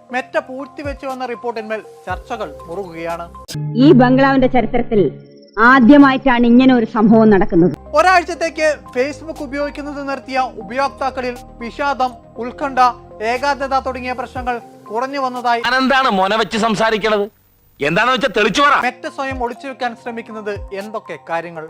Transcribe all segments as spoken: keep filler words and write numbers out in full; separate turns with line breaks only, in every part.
Meta പൂഴ്ത്തിവെച്ചു വന്ന റിപ്പോർട്ടിന്മേൽ ചർച്ചകൾ മുറുകുകയാണ്.
ഈ ബംഗ്ലാവിന്റെ ചരിത്രത്തിൽ ആദ്യമായിട്ടാണ് ഇങ്ങനെ ഒരു സംഭവം നടക്കുന്നത്.
ഒരാഴ്ചത്തേക്ക് ഫേസ്ബുക്ക് ഉപയോഗിക്കുന്നത് നിർത്തിയ ഉപയോക്താക്കളിൽ വിഷാദം, ഉത്കണ്ഠ, ഏകാഗ്രത തുടങ്ങിയ പ്രശ്നങ്ങൾ കുറഞ്ഞു വന്നതായി
എന്താണ് മോനെ വെച്ച് സംസാരിക്കണത്? എന്താണെന്ന് വെച്ചാൽ തെളിച്ചു പറ.
മെറ്റ സ്വയം ഒളിച്ചു വെക്കാൻ ശ്രമിക്കുന്നത് എന്തൊക്കെ കാര്യങ്ങൾ?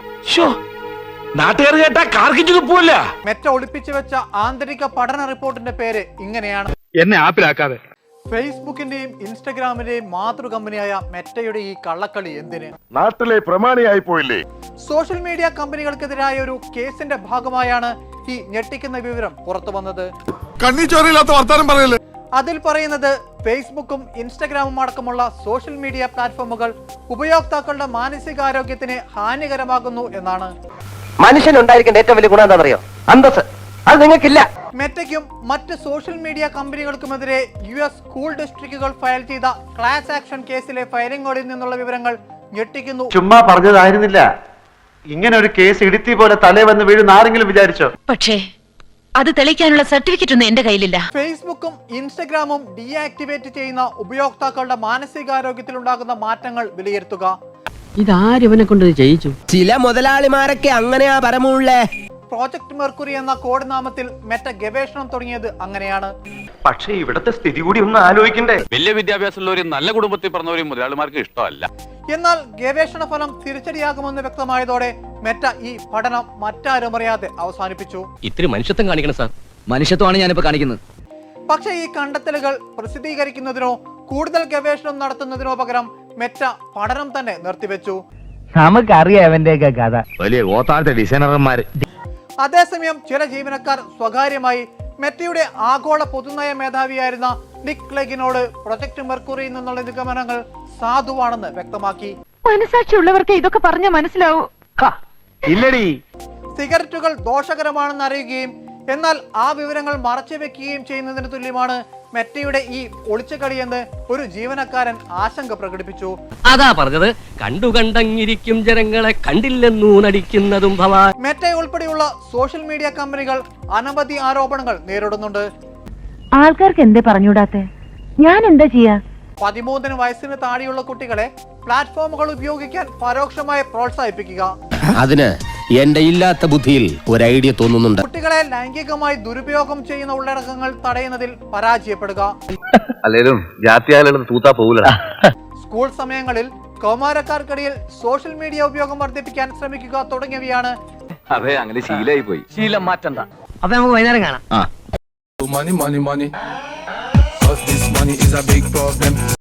നാട്ടുകാർ കേട്ടാ കാർക്കിച്ചു തുപ്പൂല്ല.
മെറ്റ ഒളിപ്പിച്ചു വെച്ച ആന്തരിക പഠന റിപ്പോർട്ടിന്റെ പേര് ഇങ്ങനെയാണ്.
എന്നെ ആപ്പിലാക്കാതെ.
ഫേസ്ബുക്കിന്റെയും ഇൻസ്റ്റഗ്രാമിന്റെയും മാതൃ കമ്പനിയായ മെറ്റയുടെ ഈ കള്ളക്കളി എന്തിന്?
നാട്ടിലെ പ്രമാണിയായി പോയില്ലേ?
സോഷ്യൽ മീഡിയ കമ്പനികൾക്കെതിരായ ഒരു കേസിന്റെ ഭാഗമായാണ് ഈ ഞെട്ടിക്കുന്ന വിവരം പുറത്തു വന്നത്.
കണ്ണിച്ചോറില്ലാത്ത വർത്താനം പറയല്ലേ.
അതിൽ പറയുന്നത് ഫേസ്ബുക്കും ഇൻസ്റ്റഗ്രാമും അടക്കമുള്ള സോഷ്യൽ മീഡിയ പ്ലാറ്റ്ഫോമുകൾ ഉപയോക്താക്കളുടെ മാനസികാരോഗ്യത്തിന് ഹാനികരമാകുന്നു എന്നാണ്.
മനുഷ്യൻ ഉണ്ടായിരിക്കേണ്ട ഏറ്റവും വലിയ ഗുണം എന്താണെന്നറിയോ? അന്തസ്. അത് നിങ്ങൾക്കില്ല.
മെറ്റയ്ക്കും മറ്റ് സോഷ്യൽ മീഡിയ കമ്പനികൾക്കുമെതിരെ യു എസ് സ്കൂൾ ഡിസ്ട്രിക്റ്റുകൾ ഫയൽ ചെയ്ത ക്ലാസ് ആക്ഷൻ കേസിലെ ഫയലിംഗുകളിൽ നിന്നുള്ള വിവരങ്ങൾ ഞെട്ടിക്കുന്നു.
ചുമ്മാ പറഞ്ഞതായിരുന്നില്ല. ഇങ്ങനെ ഒരു കേസ് ഇടുത്തി പോലെ തലേ വന്ന് വീഴുന്ന ആരെങ്കിലും വിചാരിച്ചോ?
പക്ഷേ അത് തെളിയിക്കാനുള്ള സർട്ടിഫിക്കറ്റ് ഒന്നും എന്റെ കയ്യിലില്ല.
ഫേസ്ബുക്കും ഇൻസ്റ്റഗ്രാമും ഡീആക്ടിവേറ്റ് ചെയ്യുന്ന ഉപയോക്താക്കളുടെ മാനസികാരോഗ്യത്തിൽ ഉണ്ടാകുന്ന മാറ്റങ്ങൾ വിലയിരുത്തുക.
ഇതാരിവനെ കൊണ്ട് ചെയ്യിച്ചു?
ചില മുതലാളിമാരൊക്കെ അങ്ങനെയാ പരമുള്ളേ.
പ്രോജക്ട് മെർക്കുറി എന്ന കോഡ് നാമത്തിൽ മെറ്റ ഗവേഷണം തുടങ്ങിയത് അങ്ങനെയാണ്.
പക്ഷേ ഇവിടത്തെ സ്ഥിതി കൂടി ഒന്ന് ആലോചിക്കണ്ടേ?
വലിയ വിദ്യാഭ്യാസമുള്ളവരും നല്ല കുടുംബത്തിൽ പറഞ്ഞവരും മുതലാളിമാർക്ക് ഇഷ്ടമല്ല.
എന്നാൽ ഗവേഷണ ഫലം തിരിച്ചടിയാകുമെന്ന് വ്യക്തമായതോടെ മെറ്റ ഈ പഠനം മറ്റാരും അറിയാതെ അവസാനിപ്പിച്ചു.
ഇത്തിരി മനുഷ്യത്വം കാണിക്കണം സാർ. മനുഷ്യത്വമാണ് ഞാനിപ്പോ കാണിക്കുന്നത്.
പക്ഷേ ഈ കണ്ടെത്തലുകൾ പ്രസിദ്ധീകരിക്കുന്നതിനോ കൂടുതൽ ഗവേഷണം നടത്തുന്നതിനോ പകരം മെറ്റ പഠനം തന്നെ നിർത്തിവെച്ചു.
നമുക്കറിയാം അവന്റെയൊക്കെ കഥ.
വലിയ ഗോത്താഴത്തെ ഡിസൈനർമാര്.
അതേസമയം ചില ജീവനക്കാർ സ്വകാര്യമായി മെറ്റയുടെ ആഗോള പൊതുനയ മേധാവിയായിരുന്ന നിക് ക്ലെഗിനോട് പ്രൊജക്ട് മെർക്കുറിയിൽ നിന്നുള്ള നിഗമനങ്ങൾ സാധുവാണെന്ന് വ്യക്തമാക്കി.
മനസാക്ഷിയുള്ളവർക്ക് ഇതൊക്കെ പറഞ്ഞ മനസ്സിലാവൂ.
ഇല്ലടി.
സിഗരറ്റുകൾ ദോഷകരമാണെന്ന് അറിയുകയും എന്നാൽ ആ വിവരങ്ങൾ മറച്ചുവെക്കുകയും ചെയ്യുന്നതിന് തുല്യമാണ് മെറ്റയുടെ ഈ ഒളിച്ചുകളിയെന്ന് ഒരു ജീവനക്കാരൻ ആശങ്ക പ്രകടിപ്പിച്ചു.
അതാ പറഞ്ഞത്, കണ്ടു കണ്ടങ്ങിരിക്കും ജനങ്ങളെ കണ്ടില്ലെന്നു നടിക്കുന്നതും ഭവാൻ.
മെറ്റ ഉൾപ്പെടെയുള്ള സോഷ്യൽ മീഡിയ കമ്പനികൾ അനവധി ആരോപണങ്ങൾ നേരിടുന്നുണ്ട്.
ആൾക്കാർക്ക് എന്തേ പറഞ്ഞൂടാത്തെ? ഞാൻ എന്താ ചെയ്യാ?
പതിമൂന്നിന് വയസ്സിന് താഴെയുള്ള കുട്ടികളെ പ്ലാറ്റ്ഫോമുകൾ ഉപയോഗിക്കാൻ പരോക്ഷമായി പ്രോത്സാഹിപ്പിക്കുക.
അതിന് എന്റെ ഇല്ലാത്ത ബുദ്ധിയിൽ ഒരു ഐഡിയ തോന്നുന്നുണ്ട്.
കുട്ടികളെ ലൈംഗികമായി ദുരുപയോഗം ചെയ്യുന്ന ഉള്ളടക്കങ്ങൾ തടയുന്നതിൽ പരാജയപ്പെടുക.
അല്ലേലും ജാത്യാലും തൂത്താ പോകൂല.
സ്കൂൾ സമയങ്ങളിൽ കൗമാരക്കാർക്കിടയിൽ സോഷ്യൽ മീഡിയ ഉപയോഗം വർദ്ധിപ്പിക്കാൻ ശ്രമിക്കുക തുടങ്ങിയവയാണ്.
അതെ, അങ്ങനെ ശീലമായി പോയി.
ശീലം മാറ്റണ്ട. അപ്പൊ നമുക്ക് വൈകുന്നേരം കാണാം.
Money, money, money. 'Cause this money is a big problem.